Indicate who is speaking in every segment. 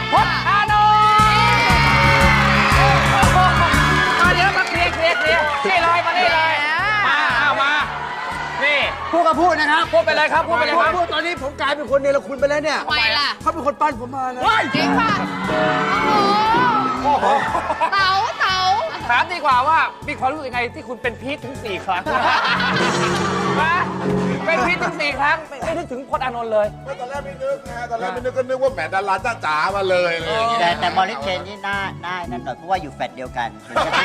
Speaker 1: พจน์อานนท์มาเดี๋ยวมาเคลียร์นี่เลยมานี่เลยมาเอามานี่
Speaker 2: พูดก็พูดนะครับ
Speaker 1: พูดไปเลยครับพูดไปเลยครับ
Speaker 2: พูดตอนนี้ผมกลายเป็นคนเนรคุณไปแล้วเนี่ย
Speaker 3: ทำไมล่ะ
Speaker 2: เขาเป็นคนปั้นผมมานะ
Speaker 3: จริงป่ะโอ้โหเต๋า
Speaker 1: ถามดีกว่าว่ามีความรู้สึกยังไงที่คุณเป็นพีทถึง4 ครั้งนะเป็นพีทถึง4 ครั้งไม่นึกถึงพจน์อานนท์เลย
Speaker 4: ตอนแรกไม่นึกนะตอนแรกไม่นึกก็นึกว่าแหมดาราจ๋าๆมาเลยอะไรอย่างเงี้ย
Speaker 5: แต่มอริสเชนนี่หน้านั่นหน่อยเพราะว่าอยู่แฟลตเดียวกัน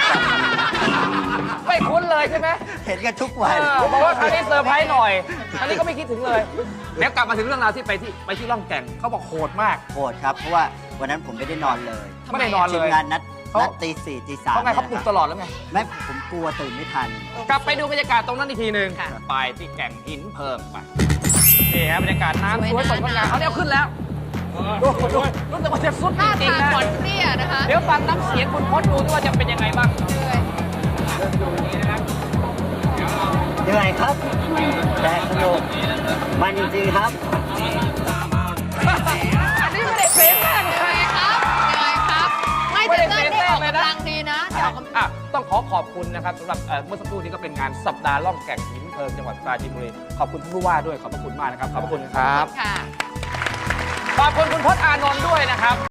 Speaker 5: เห็นกันทุกวัน
Speaker 1: ไม่คุ้นเลยใช่ไหม
Speaker 5: เห็นกันทุกวัน
Speaker 1: บอกว่าครั้งนี้เซอร์ไพรส์หน่อยอันนี้ก็ไม่คิดถึงเลยเดี๋ยวกลับมาถึงเรื่องราวที่ไปที่ล่องแก่งเขาบอกโหดมาก
Speaker 5: โหดครับเพราะว่าวันนั้นผมไม่ได้นอนเลย
Speaker 1: ไม่ได้นอน
Speaker 5: ที
Speaker 1: เล
Speaker 5: ม
Speaker 1: ย
Speaker 5: งานนัดตีสี่ตีสาม
Speaker 1: เพราะไงเขาปลุกตลอดแล้วไง
Speaker 5: ไม่ผมกลัวตื่นไม่ทัน
Speaker 1: กลับไปดูบรรยากาศตรงนั้นอีกทีหนึ่งไปที่แก่งหินเพิ่มไปนี่ฮะบรรยากาศน้ำสวยสดงดงามเอาเนี่ยขึ้นแล้วรู้สึกว่าจะสุด
Speaker 3: ท่า
Speaker 1: จริง
Speaker 3: ทาง
Speaker 1: ๆนะ
Speaker 3: ขอนเปรี้ยนะคะ
Speaker 1: เดี๋ยวฟังน้ำเสียงคุณพจน์ดูด้วยว่าจะเป็นยังไงบ้าง
Speaker 5: เหนื่อยครับแต่สนุกมันจริงๆครับ
Speaker 1: อันนี้ไม่ได้เฟซแม่งเลย
Speaker 3: ครับไม่แต่เต้นได้ออกกำลังดีนะได้ออกกำลัง
Speaker 1: ต้องขอบคุณนะครับสำหรับเมื่อสักครู่นี้ก็เป็นงานสัปดาห์ล่องแก่งหินเพลิงจังหวัดปราจีนบุรีขอบคุณท่านผู้ว่าด้วยขอบพระคุณมากนะครับขอบพระคุณครับ
Speaker 3: ค่ะ
Speaker 1: ขอบคุณคุณพจน์อานนท์ด้วยนะครับ